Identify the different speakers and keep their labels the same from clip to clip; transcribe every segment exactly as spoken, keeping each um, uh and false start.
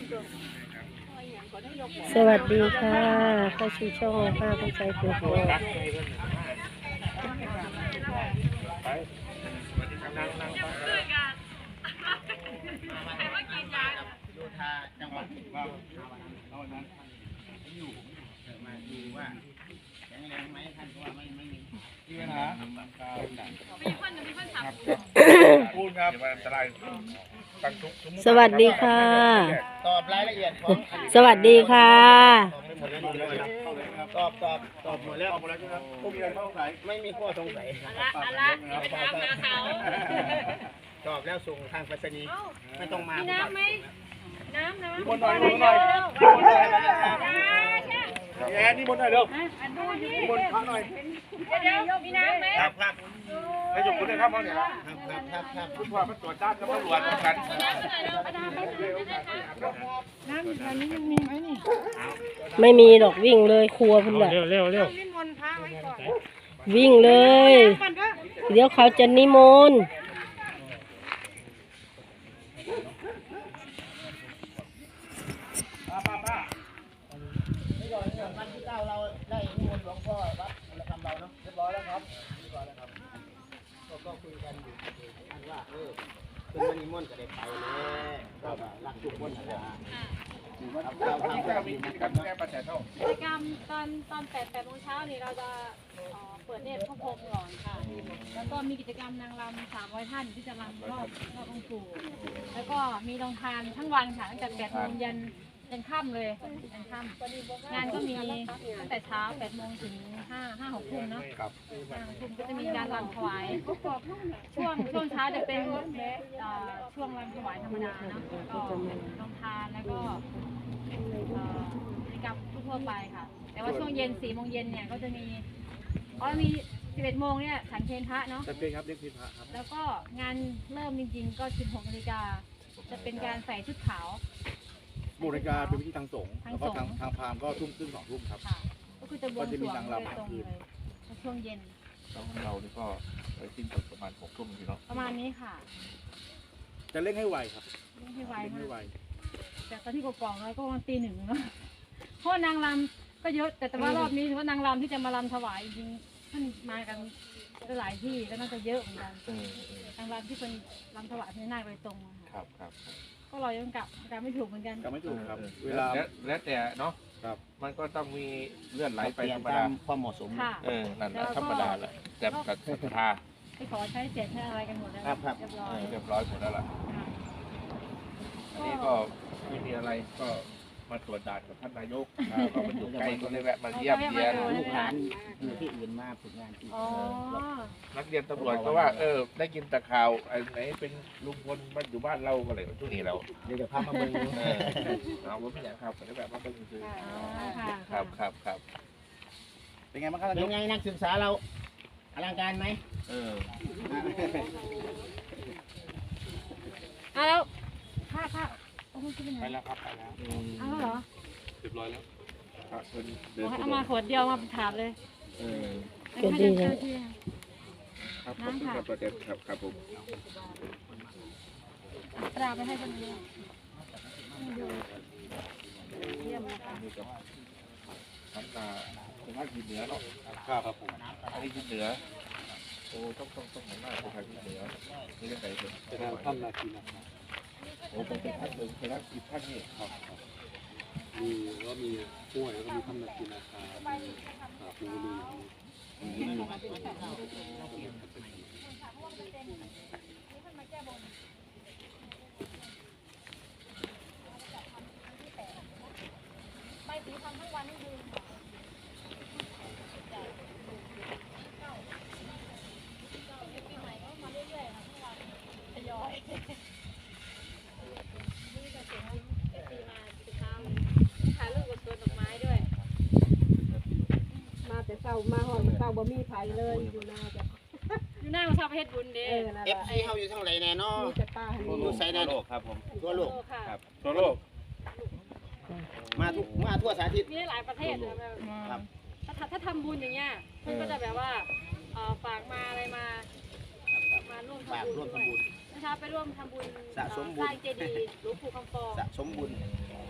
Speaker 1: สวัสดีค่ะเข้าสู่ช่องป้าเข้าใจตัวโต
Speaker 2: โยธาจังหวัดว่าเอาวันนั้นอยู่มาดูว่าแข็งแรงไหมท่านก็ว่าไม่ไม่มีที่ปัญหามีคนมีคนขับพูดครับอันตราย
Speaker 1: สวัสดีค่ะ
Speaker 2: ตอบรายละเอียดของ
Speaker 1: สวัสดีค่ะ
Speaker 2: ตอบตอบตอบหมดแล้วหมดแล้วครับไม่มีข้อสงสัยไม่มีข้อสงสัยอะไรอะไรถามมาเขาตอบแล้วส่งทางไปรษณีย์ไม่ต้องมาน้ำไหมน้ำน้ำบนหน่อยบนหน่อยบนหน่อยแอนนี่บนหน่อยเร็วบนพักหน่อย
Speaker 3: เดี๋ยวมีน้ำไหม
Speaker 2: ครับครับ
Speaker 4: ให้ยกมือได้ครับเขาเนี่ยครับ
Speaker 2: ครับครับ
Speaker 4: คุณพ่อมาตรวจด้านกับตำรวจกัน
Speaker 3: น้ำอยู่แถวนี้ยังมีไหมนี่
Speaker 1: ไม่มีดอกวิ่งเลยครัวพุ่นแหละ
Speaker 4: เร็วเร็วเร็ว
Speaker 3: นิมนต์พระไว้ก่อน
Speaker 1: วิ่งเลยเดี๋ยวเขาจะนิมนต์
Speaker 2: วันที่เก้าเราได้นิมนต์หลวงพ่อวัดระฆังเบาเนาะเรียบร้อยแล้วครับเรียบร้อยแล้วครับก็คุยกันอยู่อันว่าเออเป็นวันนิมนต์ก็ได้ไปเลยก็รักทุกคนนะ
Speaker 4: กิจกรรมมีกิจกรรมแก้ปัญหาเท่า
Speaker 3: กิจกรรมตอนตอนแปดแปดโมงเช้านี่เราจะเปิดเนตรพระพรหมก่อนค่ะแล้วก็มีกิจกรรมนางรำสามร้อยท่านที่จะรำรอบรอบองค์ปู่แล้วก็มีโรงทานทั้งวันค่ะตั้งแต่แปดโมงยันยันค่ำเลยยันค่ำงานก็มีตั้งแต่เช้าแปดโมงถึงห้าห้าหกทุ่มเนาะห้าหกทุ่มก็จะมีการรำถวายช่วงช่วงเช้าจะเป็นช่วงรำถวายธรรมดาเนาะก็โรงทานแล้วก็กิจกรรมทั่วไปค่ะแต่ว่าช่วงเย็นสี่โมงเย็นเนี่ยก็จะมีอ๋อมีสิบเอ็ดโมงเนี่ยฉันเพลพระเนาะ
Speaker 2: ฉันเพลครับเรียกเพลพระครับ
Speaker 3: แล้วก็งานเริ่มจริงๆก็สิบหกนาฬิกาจะเป็นการใส่ชุดขาว
Speaker 2: โมนาฬิกาเป็นวิธีทางสงฆ์แล้วก็ทางทางพราหมณ์ก็ทุ่มครึ่งสองทุ่มครับ
Speaker 3: ก็คือจะบวงสรวงโดยตรงเลยช่วงเย็น
Speaker 4: เรานี่ก็ไปสิ้นสุดประมาณหกทุ่มทีเนาะ
Speaker 3: ประมาณนี้ค่ะ
Speaker 2: จะเล่นให้ไวครับ
Speaker 3: เล่นให้ไวให้ไวแต่ตอนที่กกองเราก็วันตีหนึ่งเนาะเพราะนางรำก็เยอะแต่แต่ว่ารอบนี้ถือว่านางรำที่จะมารำถวายจริงท่านมากันหลายที่ก็น่าจะเยอะเหมือนกันนางรำที่เป็นรำถวายพญานาคโดยตรง
Speaker 4: ครับครับ
Speaker 3: ก็เรายังกลับกลับไม่ถูกเหมือนกัน
Speaker 2: กลับไม่ถูกครับเวลา
Speaker 4: แล้วแต่เนาะครับมันก็ต้องมีเลื่อนไหลไปธรรมดา
Speaker 2: ความเหมาะสม
Speaker 4: เออนั่นแหละธรรมดาแหละแต่กับศรัทธา
Speaker 3: ไปขอใช้เศษใช้อะไรกันหมดแล้วเรียบร้อย
Speaker 4: เรียบร้อยหมดแล้วล่ะอันนี้ก็ไม่มีอะไรก็มาตรวจด่านกับท่านนายกก็มาอยู่ใกล้ก็เลยแวะมาเยี่ยมเยียน
Speaker 2: ลูกหลานอยู่ที่อื่นมาฝึกงานที่
Speaker 4: นักเรียนตำรวจก็ว่าเออได้ยินแต่ข่าวไอ้ไหนเป็นลุงพลมาอยู่บ้านเราก็เลยช่วงนี้เรา
Speaker 2: เดี๋ยวจะพามาเบิ่ง
Speaker 4: เอาว่าไม่อยากครับแต่แบบมาเบิ่งคือครับครับครับ
Speaker 2: เป็นไงบ้างครับเป็นไงนักศึกษาเราอลังการไหม
Speaker 4: เออ
Speaker 3: เอาแล้วค่าค่า
Speaker 4: ไปแล้วครับไปแล้ว
Speaker 3: เอาเหรอ
Speaker 4: เรียบร้อยแล้ว
Speaker 3: เอามาขวดเดียวมาถามเลย
Speaker 4: เออ
Speaker 1: ก็ดีนะ
Speaker 4: ครับขอบคุณครับประเด็นครับครับผม
Speaker 3: ตราไปให้คนเดียวเยี่ยมนะคะ
Speaker 4: น้ำตาเป็นภาคเหนือเนาะ
Speaker 2: ครับผม
Speaker 4: อันนี้คือเหนือโอ้ต้องต้องต้องหันหน้าไปทางเหนือนี่เรื่องไหนเป็น
Speaker 2: เป็นท่านนาทีนะครับ
Speaker 4: โอ้เป็นท่านหนึ่งเป็นท่านอีกท่านนี่
Speaker 2: ครับมีก็มีป่วยแล้วก็มีท่านนาทีนะครับมีปูนี
Speaker 3: ไม่ตีทำทั้งวันทั้งคืนปีใหม่ก็มาเรื่อยๆค่ะทั้งวันทยอยนี่ก็เสียงเอฟซีมาสุดท้ายถ่ายรูปกับสวนดอกไม้ด้วย
Speaker 1: มาแต่เศร้ามาหอดเศร้าบ่มีไผเลยอยู่หน้าจ้ะ
Speaker 3: อยู่หน้ามาชอบเพชรบุญเด้
Speaker 2: เอฟซีเขาอยู่ทั้งไรแน่นอนอยู่ไซน์โลกครับผมทั่วโลก
Speaker 4: ครับทั่วโลก
Speaker 2: มาทุกมาทั่วสารทิศ
Speaker 3: มีหลายประเทศนะครับถ้าถ้าทำบุญอย่างเงี้ยเพื่อนก็จะแบบว่าฝากมาอะไรมามาร่วมทำบุญด้วยเช้าไปร่วมทำบุญ
Speaker 2: สะสมบุญ
Speaker 3: สร้างเจดีย์หลวงปู่คำฟอง
Speaker 2: สะสมบุญ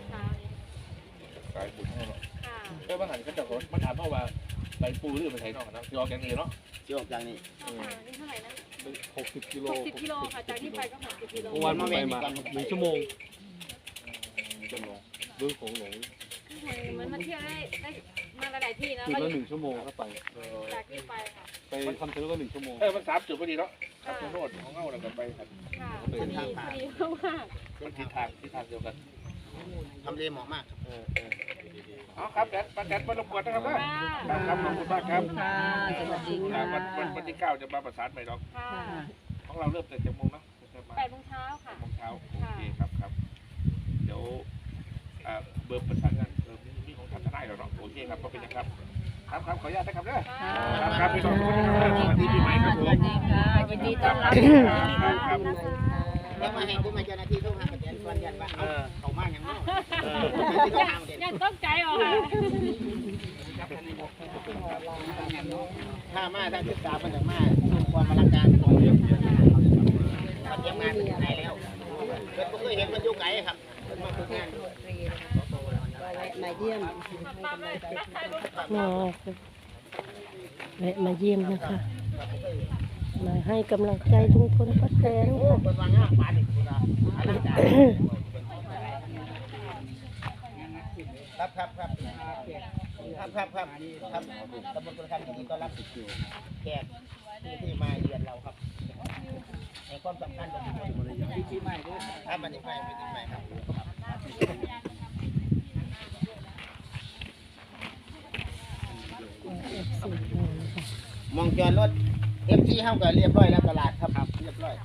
Speaker 4: สายบุญเขาเนาะ
Speaker 3: ค่ะ
Speaker 4: เอ้ยบางหันก็จะขอมาถามเขาว่าไปปูหรือไปไทยนอกนะยอแกงนี่เนาะ
Speaker 2: ที่ออกจากนี่
Speaker 3: ข้าวสารนี่เท่าไหร่นะ
Speaker 5: หกสิบกิโล
Speaker 3: หกสิบกิโลค่ะ จากที่ไปก็หกสิบกิโล
Speaker 5: เมื่อวานผมไปมาหนึ่งชั่วโมง
Speaker 4: จำลอง
Speaker 5: เรื่องของหลง
Speaker 3: เหมือนมาเที่ยวได้ได้มาหลายๆที่นะ
Speaker 5: จุด
Speaker 3: ก็
Speaker 5: ละหนึ่งชั่วโมงเข้าไป
Speaker 3: จากที่ไปค่ะ
Speaker 5: ไปคำชะโนดก็หนึ่งชั่วโมง
Speaker 4: เออมันสามจุดพอดีเนาะครับโนดของเงาแล้วก็ไปครับ
Speaker 3: ค่ะพอดีพอดีมาก
Speaker 4: มันทิศทางทิศทางเดียวกัน
Speaker 2: ทำเลเหมาะมากครับ
Speaker 4: เออเออเอาครับแดดป้าแดดมารบกวนนะครับ
Speaker 3: ค่ะ
Speaker 4: ครับขอบคุณมากครับ
Speaker 1: ค่ะสวัสดีค่ะ
Speaker 4: วันวันวันที่เก้าจะมาประสานใหม่ดอก
Speaker 3: ค่ะ
Speaker 4: ของเราเริ่มแต่เจ็ดโมงเนาะจะมา
Speaker 3: แปดโมงเช้าค่ะ
Speaker 4: โมงเช้าโอเคครับครับเดี๋ยวอ่าเบอร์ประสานงานเบอร์มีของท่านทนายเราเนาะโอเคครับก็เป็นนะครับครับครับขออนุญาตนะครับเด้อครับครับพี่น้องสวัสดีปีใหม่ครับผม
Speaker 1: ยินดีต้อนรับ
Speaker 4: ครับครับ
Speaker 2: แล้วมาให้ผู้มาเจ้าหน้าที่ทุกทางประเทศส่วนยันว่าเอาเขามาอย่างน้อยที่ต้องทำเด่น
Speaker 3: ยังต้องใจออกค่ะ
Speaker 2: ถ้ามาทางศึกษามันจะมาสู่ความอลังการของเรื่องเขาเตรียมงานเป็นไหนแล้วเกิดผมเคยเห็นมันอยู่ไกลครับเกิดมาฝึกงาน
Speaker 1: มาเยี่ยมมาแวะมาเยี่ยมนะคะ มาให้กำลังใจลุงพลป้าแตน
Speaker 2: โอ้
Speaker 1: ค่ะ
Speaker 2: เป็นวางงาปานอีกคุณอาอลังการครับครับครับครับครับครับครับตำบลกุลคำยินดีต้อนรับแขกที่ที่มาเยือนเราครับในความสำคัญของปีใหม่ด้วยครับมันอีกใหม่เป็นอีกใหม่ครับ มองจอดรถเอฟซีเข้ากันเรียบร้อยแล้วตลาดครับเรียบร้อย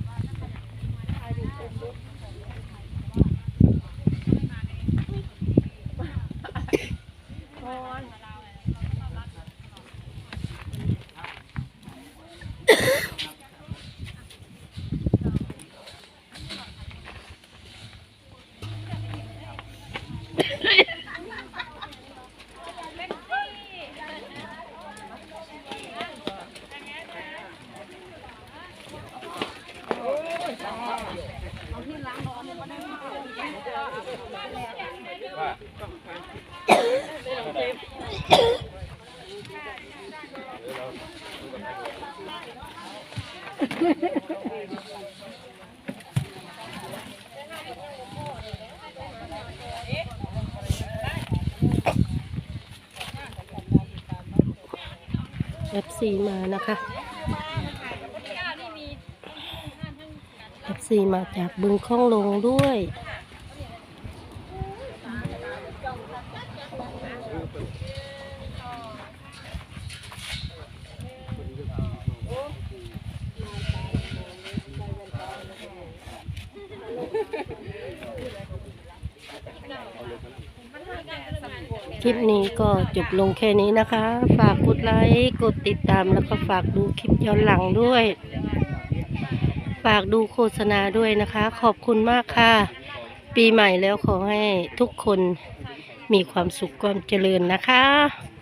Speaker 1: เอฟซีมานะคะเอฟซีมาจากบึงข้องลงด้วย คลิปนี้ก็จบลงแค่นี้นะคะ ฝากกดไลค์ กดติดตามแล้วก็ฝากดูคลิปย้อนหลังด้วย ฝากดูโฆษณาด้วยนะคะ ขอบคุณมากค่ะ ปีใหม่แล้วขอให้ทุกคนมีความสุขความเจริญนะคะ